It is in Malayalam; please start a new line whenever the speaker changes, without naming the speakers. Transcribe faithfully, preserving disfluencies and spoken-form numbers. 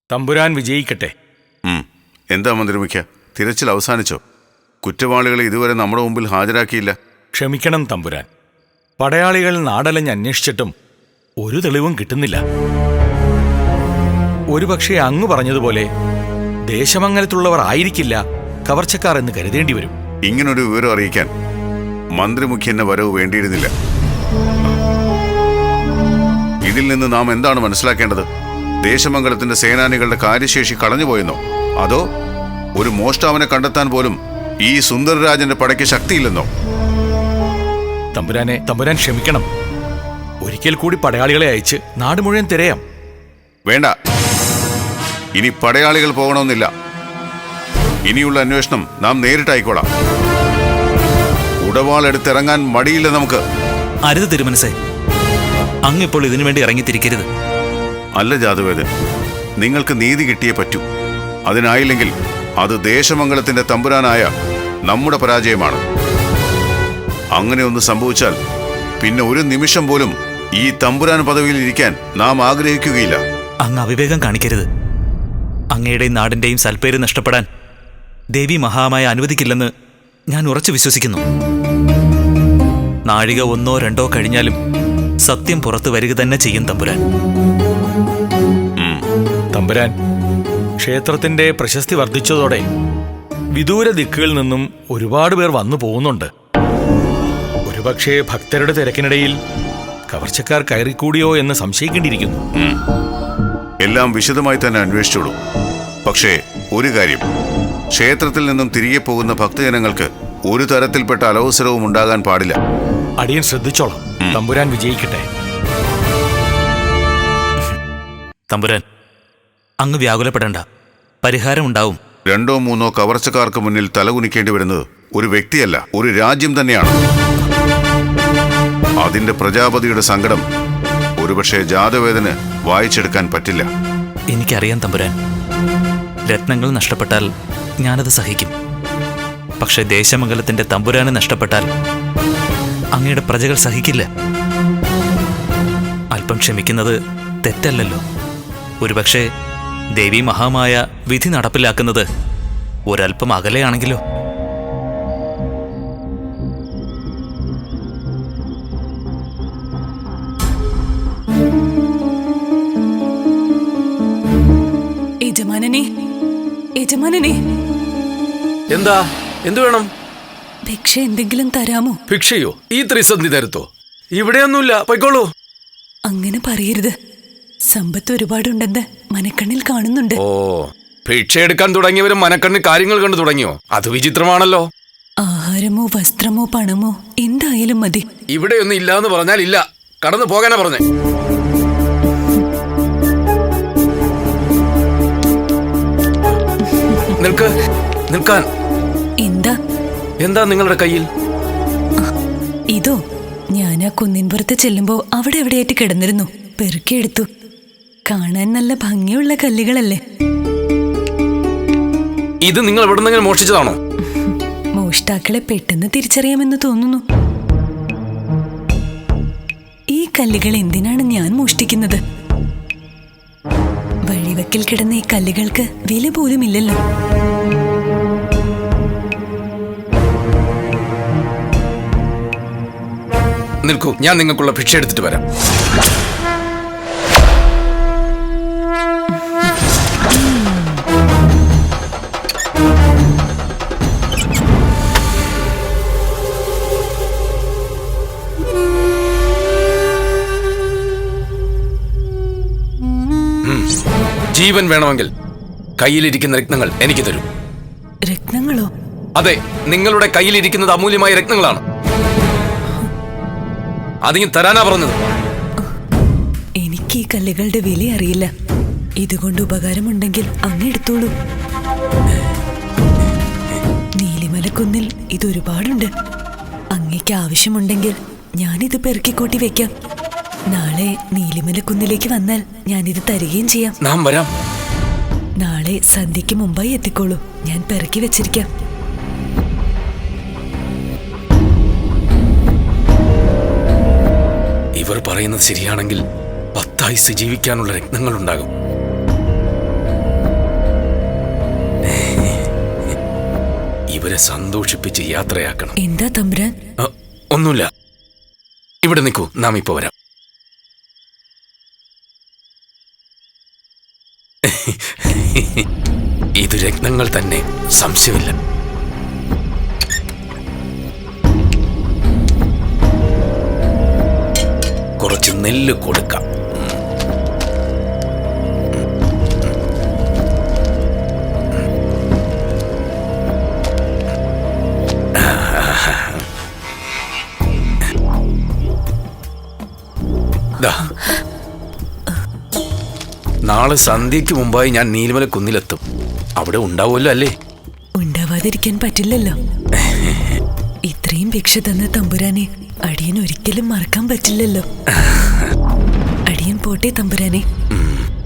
തമ്പുരാൻ വിജയിക്കട്ടെ.
എന്താ മന്ത്രിമുഖ്യ, തിരച്ചിൽ അവസാനിച്ചോ? കുറ്റവാളികളെ ഇതുവരെ നമ്മുടെ മുമ്പിൽ ഹാജരാക്കിയില്ല.
ക്ഷമിക്കണം തമ്പുരാൻ, പടയാളികൾ നാടലഞ്ഞ് അന്വേഷിച്ചിട്ടും ഒരു തെളിവും കിട്ടുന്നില്ല. ഒരുപക്ഷെ അങ്ങ് പറഞ്ഞതുപോലെ ദേശമംഗലത്തുള്ളവർ ആയിരിക്കില്ല കവർച്ചക്കാർ എന്ന് കരുതേണ്ടി വരും.
ഇങ്ങനൊരു വിവരം അറിയിക്കാൻ മന്ത്രിമുഖ്യന്റെ വരവ് വേണ്ടിയിരുന്നില്ല. ഇതിൽ നിന്ന് നാം എന്താണ് മനസ്സിലാക്കേണ്ടത്? ദേശമംഗലത്തിന്റെ സേനാനികളുടെ കാര്യശേഷി കളഞ്ഞുപോയെന്നോ, അതോ ഒരു മോഷ്ടാവിനെ കണ്ടെത്താൻ പോലും ഈ സുന്ദരരാജന്റെ പടയ്ക്ക് ശക്തിയില്ലെന്നോ?
തമ്പുരാനെ തമ്പുരാൻ ക്ഷമിക്കണം. ഒരിക്കൽ കൂടി പടയാളികളെ അയച്ച് നാട് മുഴുവൻ തിരയാം.
വേണ്ട, ഇനി പടയാളികൾ പോകണമെന്നില്ല. ഇനിയുള്ള അന്വേഷണം നാം നേരിട്ടായിക്കോളാം. ഉടവാളെടുത്തിറങ്ങാൻ മടിയില്ല നമുക്ക്.
അരുത് തിരുമനസേ, അങ്ങിപ്പോൾ ഇതിനു വേണ്ടി ഇറങ്ങിത്തിരിക്കരുത്.
അല്ല ജാതവേദൻ, നിങ്ങൾക്ക് നീതി കിട്ടിയേ പറ്റൂ. അതിനായില്ലെങ്കിൽ അത് ദേശമംഗലത്തിന്റെ തമ്പുരാനായ നമ്മുടെ പരാജയമാണ്. അങ്ങനെ ഒന്ന് സംഭവിച്ചാൽ പിന്നെ ഒരു നിമിഷം പോലും ഈ തമ്പുരാൻ പദവിയിൽ ഇരിക്കാൻ നാം ആഗ്രഹിക്കുകയില്ല.
അങ്ങ് അവിവേകം കാണിക്കരുത്. അങ്ങയുടെയും നാടിന്റെയും സൽപ്പേര് നഷ്ടപ്പെടാൻ ദേവി മഹാമായ അനുവദിക്കില്ലെന്ന് ഞാൻ ഉറച്ചു വിശ്വസിക്കുന്നു. നാഴിക ഒന്നോ രണ്ടോ കഴിഞ്ഞാലും സത്യം പുറത്തു വരിക തന്നെ ചെയ്യും തമ്പുരാൻ.
തമ്പുരാൻ, ക്ഷേത്രത്തിന്റെ പ്രശസ്തി വർദ്ധിച്ചതോടെ വിദൂര ദിക്കുകളിൽ നിന്നും ഒരുപാട് പേർ വന്നു പോകുന്നുണ്ട്. ഒരുപക്ഷെ ഭക്തരുടെ തിരക്കിനിടയിൽ കവർച്ചക്കാർ കയറിക്കൂടിയോ എന്ന് സംശയിക്കേണ്ടിയിരിക്കുന്നു.
എല്ലാം വിശദമായി തന്നെ അന്വേഷിച്ചോളൂ. പക്ഷേ ഒരു കാര്യം, ക്ഷേത്രത്തിൽ നിന്നും തിരികെ പോകുന്ന ഭക്തജനങ്ങൾക്ക് ഒരു തരത്തിൽപ്പെട്ട അലവസരവും ഉണ്ടാകാൻ പാടില്ല.
അടിയൻ ശ്രദ്ധിച്ചോളാം. തമ്പുരാൻ വിജയിക്കട്ടെ.
തമ്പുരാൻ, അങ്ങ് വ്യാകുലപ്പെടേണ്ട, പരിഹാരം ഉണ്ടാവും.
രണ്ടോ മൂന്നോ കവർച്ചക്കാർക്ക് മുന്നിൽ തലകുനിക്കേണ്ടി വരുന്നത് ഒരു വ്യക്തിയല്ല, ഒരു രാജ്യം തന്നെയാണ്. അതിന്റെ പ്രജാപതിയുടെ സങ്കടം ഒരുപക്ഷെ ജാതവേദന് വായിച്ചെടുക്കാൻ പറ്റില്ല.
എനിക്കറിയാം തമ്പുരാൻ, രത്നങ്ങൾ നഷ്ടപ്പെട്ടാൽ ഞാനത് സഹിക്കും. പക്ഷെ ദേശമംഗലത്തിന്റെ തമ്പുരാന് നഷ്ടപ്പെട്ടാൽ അങ്ങയുടെ പ്രജകൾ സഹിക്കില്ല. അല്പം ക്ഷമിക്കുന്നത് തെറ്റല്ലല്ലോ. ഒരുപക്ഷെ ദേവി മഹാമായ വിധി നടപ്പിലാക്കുന്നത് ഒരൽപ്പം അകലെയാണെങ്കിലോ?
യജമാനനെ, യജമാനനെ,
എന്താ? എന്തു വേണം?
ഭിക്ഷ എന്തെങ്കിലും തരാമോ?
ഭിക്ഷയോ? ഈ ത്രിസന്ധി തരുത്തോ? ഇവിടെയൊന്നുമില്ല, പൊയ്ക്കോളൂ.
അങ്ങനെ പറയരുത്. സമ്പത്ത് ഒരുപാടുണ്ടെന്ന് മനക്കണ്ണിൽ കാണുന്നുണ്ട്.
ഓ, ഭിക്ഷ എടുക്കാൻ തുടങ്ങിയവരും മനക്കണ്ണിൽ കാര്യങ്ങൾ കണ്ടു തുടങ്ങിയോ? അത് വിചിത്രമാണല്ലോ.
ആഹാരമോ വസ്ത്രമോ പണമോ എന്തായാലും മതി.
ഇവിടെയൊന്നും ഇല്ലാന്ന് പറഞ്ഞാൽ ഇല്ല, കടന്നു പോകാനാ പറഞ്ഞേ. നിൽക്ക്, നിൽക്കാൻ.
എന്താ
എന്താ നിങ്ങളുടെ കയ്യിൽ?
ഇതോ, ഞാൻ ആ കുന്നിൻപുറത്ത് ചെല്ലുമ്പോ അവിടെ എവിടെയായിട്ട് കിടന്നിരുന്നു. പെറുക്കിയെടുത്തു. കാണാൻ നല്ല ഭംഗിയുള്ള കല്ലുകളല്ലേ?
ഇത് നിങ്ങൾ എവിടെ നിന്നെങ്കിലും മോഷ്ടിച്ചതാണോ?
മോഷ്ടാക്കളെ പെട്ടെന്ന് തിരിച്ചറിയാമെന്ന് തോന്നുന്നു. ഈ കല്ലുകൾ എന്തിനാണ് ഞാൻ മോഷ്ടിക്കുന്നത്? വഴിവക്കിൽ കിടന്ന ഈ കല്ലുകൾക്ക് വില പോലും ഇല്ലല്ലോ.
നിൽക്കൂ, ഞാൻ നിങ്ങൾക്കുള്ള ഭിക്ഷ എടുത്തിട്ട് വരാം. ജീവൻ വേണമെങ്കിൽ കയ്യിലിരിക്കുന്ന രത്നങ്ങൾ എനിക്ക് തരൂ.
രത്നങ്ങളോ?
അതെ, നിങ്ങളുടെ കയ്യിലിരിക്കുന്നത് അമൂല്യമായ രത്നങ്ങളാണ്. അതിന് തരാനാ പറഞ്ഞത്.
എനിക്ക് ഈ കല്ലുകളുടെ വില അറിയില്ല. ഇതുകൊണ്ട് ഉപകാരമുണ്ടെങ്കിൽ അങ്ങ് എടുത്തോളൂ. നീലിമലക്കുന്നിൽ ഇതൊരുപാടുണ്ട്. അങ്ങേക്ക് ആവശ്യമുണ്ടെങ്കിൽ ഞാനിത് പെറുക്കിക്കൂട്ടി വെക്കാം. നാളെ നീലിമലക്കുന്നിലേക്ക് വന്നാൽ ഞാനിത് തരികയും ചെയ്യാം.
നാം വരാം.
നാളെ സന്ധ്യയ്ക്ക് മുമ്പായി എത്തിക്കോളൂ. ഞാൻ പെറുക്കി വെച്ചിരിക്കാം.
ഇവർ പറയുന്നത് ശരിയാണെങ്കിൽ പത്തായുസ് ജീവിക്കാനുള്ള രത്നങ്ങളുണ്ടാകും. അവരെ സന്തോഷിപ്പിച്ച് യാത്രയാക്കണം.
എന്താ തമ്പുരാൻ?
ആ, ഒന്നുമില്ല. ഇവിടെ നിൽക്കൂ, നാം ഇപ്പൊ വരാം. ഇത് രത്നങ്ങൾ തന്നെ, സംശയമില്ല. കുറച്ച് നെല്ല് കൊടുക്കാം. ദാ. നാളെ സന്ധ്യയ്ക്ക് മുമ്പായി ഞാൻ നീലിമല കുന്നിലെത്തും. അവിടെ ഉണ്ടാവുമല്ലോ അല്ലേ?
ഉണ്ടാവാതിരിക്കാൻ പറ്റില്ലല്ലോ. ഇത്രയും ഭിക്ഷ തന്ന തമ്പുരാനെ അടിയൻ ഒരിക്കലും മറക്കാൻ പറ്റില്ലല്ലോ. അടിയൻ പോട്ടെ തമ്പുരാനെ.